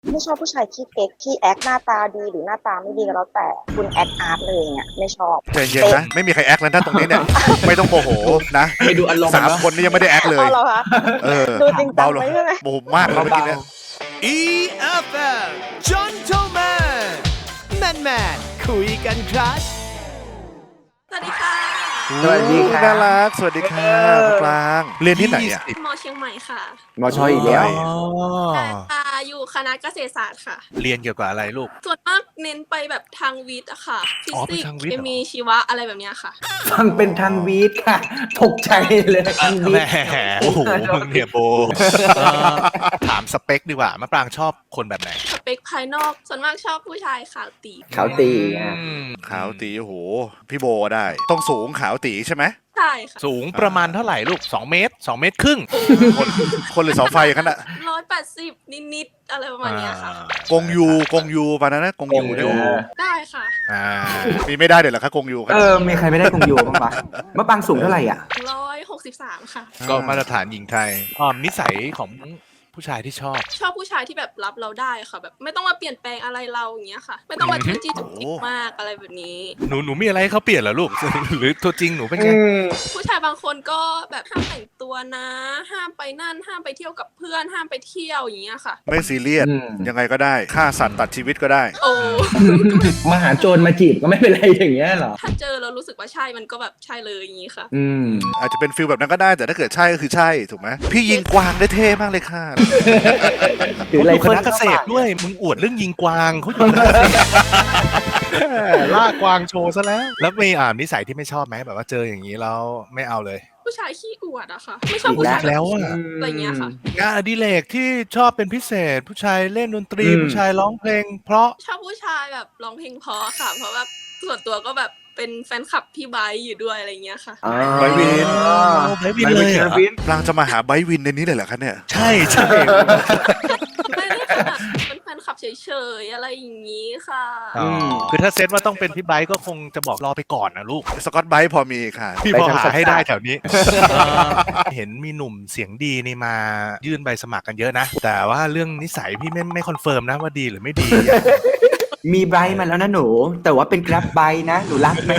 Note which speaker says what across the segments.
Speaker 1: ไม่ชอบผู้ชายขี้เก๊กที่แอคหน้าตาดีหรือหน้าตาไม่ดีก็แล้วแต่คุณแอคอาร์ตเลยเนี่ยไม่ชอบ
Speaker 2: ใจเย็นนะไม่มีใครแอคแล้วนะตรงนี้เนี่ยไม่ต้องโมโหนะ
Speaker 3: ไปดูอารมณ์
Speaker 2: 3 คนนี่ยังไม่ได้แอคเลย
Speaker 1: เอาเหรอคะดูจริงจังไหมใช่ไหม
Speaker 2: โมโหมากเลยเมื่อกี้เนี่ย
Speaker 4: EFM Gentleman Man Man คุยกันครับ
Speaker 5: สวัสดีค่ะ
Speaker 3: สวัสดีครับ
Speaker 2: น่ารักสวัสดีค่ะมะปรางเรียนที่ไหนอ่ะ
Speaker 5: มอเชียงใหม่ค่ะ
Speaker 3: มอชออีกแล้ว
Speaker 5: อยู่คณะเกษตรศาสตร์ค่ะ
Speaker 6: เรียนเกี่ยวกับอะไรลูก
Speaker 5: ส่วนมากเน้นไปแบบทางวิทย์อะค่ะ ฟิ
Speaker 6: อ๋อเป็
Speaker 5: สิ
Speaker 6: น
Speaker 5: ก
Speaker 6: ทาง
Speaker 5: ส์
Speaker 6: วิทย์
Speaker 5: เค
Speaker 6: เหรอ
Speaker 5: มีชีวะอะไรแบบเนี้ยค่ะ
Speaker 3: ฟังเป็นทางวีดค่ะ ตกใจเลยทางวี
Speaker 6: แห
Speaker 3: ด
Speaker 6: มโอ้โหมึงเนี่ยโบถามสเปคดีกว่ามะปรางชอบคนแบบไหน
Speaker 5: สเปคภายนอก ส่วนมากชอบผู้ชายขาวตี
Speaker 3: เขาตีอ่ะ
Speaker 2: ขาวตีโอ้โหพี่โบได้ต้องสูงขาวตีใช่ไหม
Speaker 5: ใช่ค่ะ
Speaker 6: สูงประมาณเท่าไหร่ลูก2 เมตร2 เมตรครึ่ง
Speaker 2: คนหรือเสาไฟกันอะ
Speaker 5: 180 นิดๆอะไรประมาณเนี้ยค่ะ
Speaker 2: กงยูปานะนะกงยูได้
Speaker 5: ได้ค่ะ
Speaker 6: อ่า
Speaker 2: มีไม่ได้เดี๋ยวเหรอคะกงยูครับ
Speaker 3: มีใครไม่ได้คงอยู่บ้างปะมะปางสูงเท่าไหร่อ่ะ
Speaker 5: 163 ค่ะ
Speaker 6: ก็มาตรฐานหญิงไทยนิสัยของผู้ชายที่ชอบ
Speaker 5: ชอบผู้ชายที่แบบรับเราได้ค่ะ แบบไม่ต้องมาเปลี่ยนแปลงอะไรเราอย่างเงี้ยค่ะ ไม่ต้องมาจี้จี้จุกจิกมากอะไรแบบนี้
Speaker 6: หนูมีอะไรให้เขาเปลี่ยนเหรอลูก หรือตัวจริงหนูเป็นไง
Speaker 5: ผู้ชายบางคนก็แบบห้ามแต่งตัวนะ ห้ามไปนั่น ห้ามไปเที่ยวกับเพื่อน ห้ามไปเที่ยวอย่างเงี้ยค่ะ
Speaker 2: ไม่ซีเรียส
Speaker 3: อืม
Speaker 2: ยังไงก็ได้ฆ่าสัตว์ตัดชีวิตก็ได้
Speaker 5: โอ้
Speaker 3: มาหาโจรมาจีบก็ไม่เป็นไรอย่างเงี้ยเหรอ
Speaker 5: ถ้าเจอแล้วรู้สึกว่าใช่มันก็แบบใช่เลยอย่างงี้ค่ะ
Speaker 3: อืม
Speaker 2: อาจจะเป็นฟิลแบบนั้นก็ได้แต่ถ้าเกิดใช่ก็คือใช่ถูกไหมพี่ยิงกวางได้เท่มากเลยค่ะ
Speaker 3: ถือ
Speaker 6: เขา
Speaker 3: อะไร
Speaker 6: อยู่คณะเกษตรด้วย มึงอวดเรื่องยิงกวางเขาอยู่คณะเกษตรล่ากวางโชว์ซะแล้ว แล้วมีนิสัยที่ไม่ชอบไหมแบบว่าเจออย่างนี้แล้วไม่เอาเลย
Speaker 5: ผู้ชายขี้อวดอะค่ะ ไม่ชอบผู้ชาย
Speaker 6: แล้วอะ
Speaker 5: อะไรเงี้ยค่ะ
Speaker 6: งานอดิเรกที่ชอบเป็นพิเศษ ผู้ชายเล่นดนตรี ผู้ชายร้องเพลง เพราะ
Speaker 5: ชอบผู้ชายแบบร้องเพลงเพราะค่ะ เพราะว่าส่วนตัวก็แบบเป็นแฟนคลับพี่ไบร์ทอยู่ด้วยอะไรเงี้ยค่ะ
Speaker 2: ไบร์ทวิน
Speaker 6: ไบร์ทวินเลยเหรอ
Speaker 2: ปรางจะมาหาไบร์ทวินในนี้เลยเหรอคะเนี่ย
Speaker 6: ใช่ใช่
Speaker 5: ไม่ได้ค่ะเป็นแฟนคลับเฉยๆอะไรอย่างงี้ค่ะ
Speaker 6: คือถ้าเซตว่าต้องเป็นพี่ไบร์ทก็คงจะบอกรอไปก่อนนะลูก
Speaker 2: สกอตไบร์ทพอมีค่ะ
Speaker 6: พี่พอหาให้ได้แถวนี้ เห็นมีหนุ่มเสียงดีนี่มายื่นใบสมัครกันเยอะนะ แต่ว่าเรื่องนิสัยพี่ไม่คอนเฟิร์มนะว่าดีหรือไม่ดี
Speaker 3: มีไบรท์มาแล้วนะหนู แต่ว่าเป็นกราฟไบรท์นะ หนูรักไหม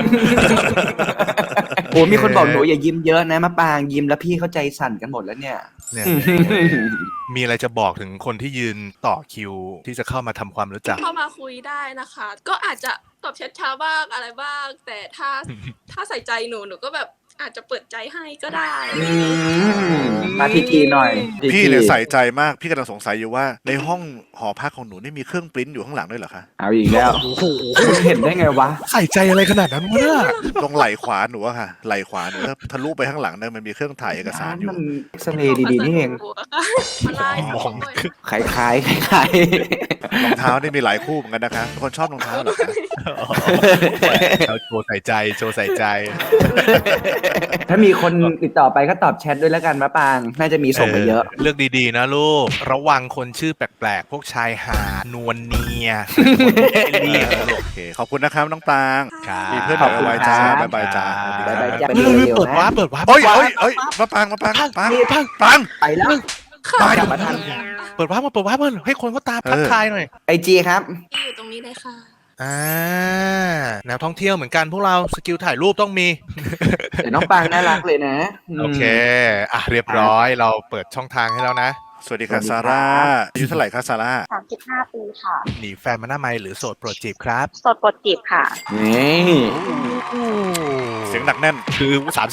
Speaker 3: โอ้มีคนบอกหนูอย่ายิ้มเยอะนะมะปางยิ้มแล้วพี่เข้าใจสั่นกันหมดแล้วเนี่ย
Speaker 6: เนี่ย มีอะไรจะบอกถึงคนที่ยืนต่อคิวที่จะเข้ามาทำความรู้จัก
Speaker 5: เข้ามาคุยได้นะคะ ก็อาจจะตอบแชทช้าบ้างอะไรบ้าง แต่ถ้าใส่ใจหนูก็แบบอาจจะเปิดใจให้ก็ได้
Speaker 3: มาทีหน่อย
Speaker 2: พี่เนี่ยใส่ใจมากพี่กำลังสงสัยอยู่ว่าในห้องหอพักของหนูนี่มีเครื่องปริ้นอยู่ข้างหลังด้วยเหรอคะ
Speaker 3: เอาอีกแล้วคุณเห็นได้ไงวะ
Speaker 6: ใส่ใจอะไรขนาดนั้นวะเนี่ย
Speaker 2: ตรงไหล่ขวาหนูอะค่ะไหล่ขวาหนูถ้าทะลุไปข้างหลังเนี่ยมันมีเครื่องถ่ายเอกสารอยู่
Speaker 3: มันเอ็กซเรย์ดีๆนี่เอง
Speaker 5: มาไล่ผมด้วย
Speaker 3: ขายขาย
Speaker 2: รองเท้านี่มีหลายคู่เหมือนกันนะคะเป็นคนชอบรองเท้าเหรอคะ
Speaker 6: เราโชว์ใส่ใจโชว์ใส่ใจ
Speaker 3: ถ้ามีคนติดต่อไปก็ตอบแชทด้วยแล้วกันมะปาง น่าจะมีส่งมาเยอะ
Speaker 6: เลือกดีๆนะลูก ระวังคนชื่อแปลกๆ พวกชายหาดนวลเนียคนที่เรียกนะลูก
Speaker 2: โอเคขอบคุณนะครับน้องปราง
Speaker 6: ครับ
Speaker 2: มีเพื่อน
Speaker 3: ข
Speaker 2: แบ
Speaker 3: อบบ คุณ
Speaker 2: ไว้จ้า
Speaker 3: ครับ
Speaker 2: บ๊ายบายจ้า
Speaker 3: บ๊ายบายจ้า
Speaker 6: เฮ้ยเปิดวาร์ปเปิดวาร์ป
Speaker 2: เฮ้ยมาปรางปราง
Speaker 3: ไปแล้ว
Speaker 5: ค่ะ
Speaker 3: กลับมาทัน
Speaker 6: เปิดวาร์ปเปิดวาร์ปให้คนเขาตามทักทายหน่อย
Speaker 3: ไอจีครับ
Speaker 5: ที่อยู่ตรงนี้เลยค่ะ
Speaker 6: แนวท่องเที่ยวเหมือนกันพวกเราสกิลถ่ายรูปต้องมี
Speaker 3: เดี๋ยวน้องปางน่ารักเลยนะ
Speaker 6: โอเค เรียบร้อยเราเปิดช่องทางให้แล้วนะ
Speaker 2: สวัสดีค่ะซาร่าอายุเท่าไหร่คะซาร่า
Speaker 1: 35 ปีค่ะ
Speaker 6: หนีแฟนมาหน้าไมค์หรือโสดโปรดจีบครับ
Speaker 1: โสดโปรดจีบค่ะ
Speaker 3: นี่
Speaker 2: เสียงหนักแน่น
Speaker 6: คือ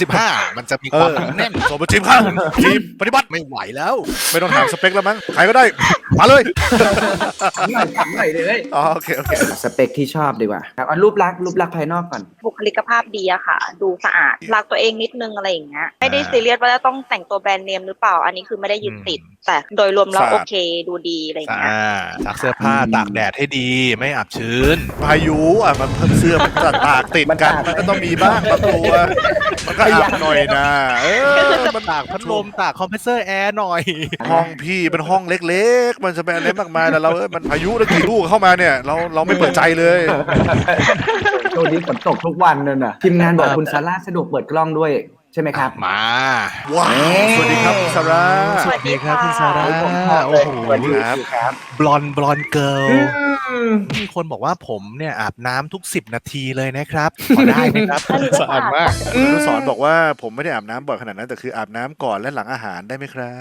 Speaker 6: 35 มันจะมีความหนักแน่น
Speaker 2: สมบูรณ์ทีมข้างทีมปฏิบัติ
Speaker 6: ไม่ไหวแล้ว
Speaker 2: ไม่ต้องถามสเปคแล้วมั้งใครก็ได้มาเลย
Speaker 3: ถามหน่อยเลย
Speaker 2: อ๋อโอเคโอเค
Speaker 3: สเปคที่ชอบดีกว่าครับเอารูปลักษณ์ภายนอกก่อน
Speaker 1: บุคลิกภาพดีอะค่ะ ดูสะอาดรักตัวเองนิดนึงอะไรอย่างเงี้ยไม่ได้ซีเรียสว่าจะต้องแต่งตัวแบรนด์เนมหรือเปล่า อันนี้คือไม่ได้ยึดติด แต่โดยรวมแล้วโอเคดูดีอะไรอย่างเงี้ย
Speaker 6: ซักเสื้อผ้าตากแดดให้ดีไม่อับชื้น
Speaker 2: พายุมันเสื้อมันจะตากติดกันมันก็ต้องมีบ้างบางตัวมันก็อับหน่อยนะมัน
Speaker 6: ตากพัดลมตากคอมเพรสเซอร์แอร์หน่อย
Speaker 2: ห้องพี่เป็นห้องเล็กๆ มันจะเป็นอะไรมากมายแต่เรามันพายุแล้วกี่ลูกเข้ามาเนี่ยเราไม่เปิดใจเลย
Speaker 3: ช่วงนี้ฝนตกทุกวันนั่นน่ะทีมงานบอกคุณซาร่าสะดวกเปิดกล้องด้วยใช่ไหมครับ
Speaker 6: มา
Speaker 2: ว้าวสวัสดีครับคุณซาร่า
Speaker 1: สวัสดีค่ะ
Speaker 6: พี่ซาร่า
Speaker 3: ผมชอบ
Speaker 6: โอ้
Speaker 3: เลย
Speaker 6: โห
Speaker 3: สวัสดีครับ
Speaker 6: บลอนเกิร์ล
Speaker 3: อืม
Speaker 6: มีคนบอกว่าผมเนี่ยอาบน้ำทุก 10 นาทีเลยนะครับขอได้ไหมครับ
Speaker 1: อันนี้ก็
Speaker 6: สะอาดมาก
Speaker 2: คุณอนุสรณ์บอกว่าผมไม่ได้อาบน้ำบ่อยขนาดนั้นแต่คืออาบน้ำก่อนและหลังอาหารได้ไหมครับ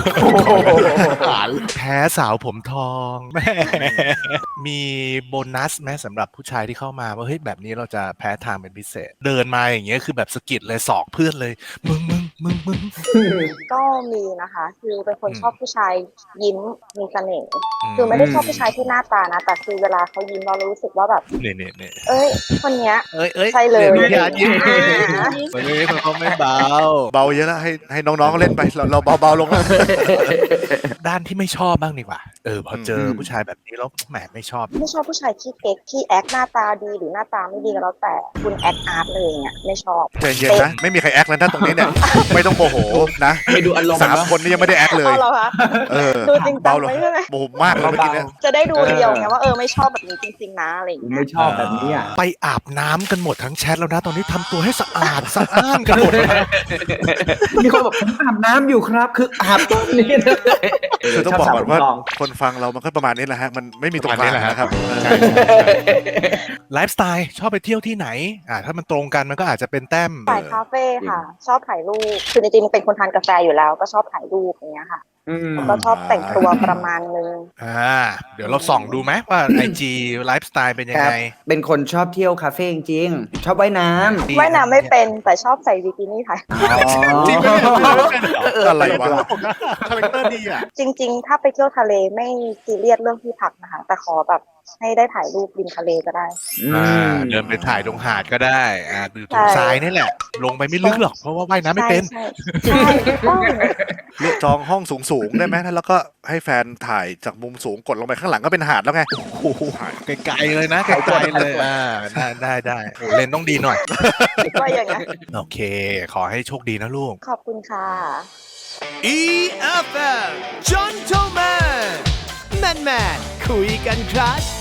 Speaker 6: แพ้สาวผมทองแม่ มีโบนัสไหมสำหรับผู้ชายที่เข้ามาว่าเฮ้ยแบบนี้เราจะแพ้ทางเป็นพิเศษ เดินมาอย่างเงี้ยคือแบบสะกิดเลยสอกเพื่อนเลย มึง
Speaker 1: ก็มีนะคะ คือเป็นคนชอบผู้ชายยิ้มมีเสน่ห์
Speaker 6: อืม
Speaker 1: คือไม่ได้ชอบผู้ชายที่หน้าตานะ แต่คือเวลาเขายิ้มเรารู้สึกว่าแบบ
Speaker 6: เนี่ย
Speaker 1: เอ้ย คนเนี้ย
Speaker 6: เอ้ย
Speaker 1: ใช่เลย
Speaker 6: ดูพี่อาร์ตยิ้ม
Speaker 1: อ่า
Speaker 6: วันนี้เขาไม่เบา
Speaker 2: เบาเยอะแล้วให้น้องๆเล่นไปเราเบาๆลงแล้ว
Speaker 6: ด้านที่ไม่ชอบบ้างดีกว่า พอเจอ
Speaker 2: อืม
Speaker 6: ผู้ชายแบบนี้แล้วแหมไม่ชอบ
Speaker 1: ไม่ชอบผู้ชายขี้เก๊กขี้แอคหน้าตาดีหรือหน้าตาไม่ดีก็แล้วแต่คุณแอคอาร์ตเลยเนี่ยไม่ชอบ
Speaker 2: ใจเย็นนะไม่มีใครแอคแล้วนะตรงนี้เนี่ยไม่ต้องโมโหนะ
Speaker 3: ไม่ดูอารมณ์
Speaker 2: 3 คนนี่ยังไม่ได้แอคเลย
Speaker 1: เอาเหรอคะ
Speaker 2: เออ
Speaker 1: ดูจริงจัง
Speaker 2: เบาลง
Speaker 1: ไว้ใช่ไหม
Speaker 2: โมโหมากเลยเมื่อกี้เนี่ย
Speaker 1: จะได้ดูเรียวไงว่าไม่ชอบแบบนี้จริงๆนะอะไรอย่างเงี้
Speaker 3: ไม่
Speaker 1: ย
Speaker 3: ชอบแบบนี้อ่ะ
Speaker 6: ไปอาบน้ำกันหมดทั้งแชทแล้วนะตอนนี้ทำตัวให้สะอาดสะอ้านกันหมดแล้ว
Speaker 3: มีคนบอกผมอาบน้ำอยู่ครับ คืออาบตรงนี้นะ
Speaker 2: คือต้องบอกก่อนว่า
Speaker 3: ชบสวผมทง
Speaker 2: คนฟังเรามันก็ประมาณนี้แหละฮะมันไม่มีตรงกลางนะครับ
Speaker 6: ใช่ไลฟ์สไตล์ชอบไปเที่ยวที่ไหนถ้ามันตรงกันมันก็อาจจะเป็นแต้ม
Speaker 1: สายคาเฟ่ค่ะ ชอบถ่ายรูปคือจริงๆเป็นคนทานกาแฟอยู่แล้ว ก็ชอบถ่ายรูปอย่างเงี้ยค่ะ ก็ชอบแต่งตัวประมาณนึง
Speaker 6: เดี๋ยวเราส่องดูไหมว่า IG ไลฟ์สไตล์เป็นยัง
Speaker 3: ครับ
Speaker 6: ไง
Speaker 3: เป็นคนชอบเที่ยวคาเฟ่จริงๆชอบว่ายน้ำ
Speaker 1: ว่ายน้ำไม่เป็นแต่ชอบใส่บิกินี่ถ่าย
Speaker 6: จริงไหมเนี่ย
Speaker 2: อะไรวะ
Speaker 6: คาแรคเตอร์ดีอ่ะ
Speaker 1: จริงๆ ถ้าไปเที่ยวทะเลไม่ซีเรียสเรื่องที่พักนะคะ แต่ขอแบบให้ได้ถ่ายรูปริมทะเลก็ได้
Speaker 6: เดินไปถ่ายตรงหาดก็ได้ดูตรงทรายนี่แหละ ลงไปไม่ลึกหรอกเพราะว่าว่ายน้ำไม่เป็น
Speaker 1: ใช่ใช่ถูกต้อง
Speaker 2: เลือกจองห้องสูงๆได้ไหมแล้วก็ให้แฟนถ่ายจากมุมสูงกดลงไปข้างหลังก็เป็นหาดแล้วไง
Speaker 6: ไกลๆเลยนะไกลๆเลยได้โอ้เลนส์ต้องดีหน่อย
Speaker 1: ว่าอย่างนั้น
Speaker 6: โอเค ขอให้โชคดีนะลูก
Speaker 1: ขอบคุณค่ะ
Speaker 4: EFM Gentleman แมนคุยกันครับ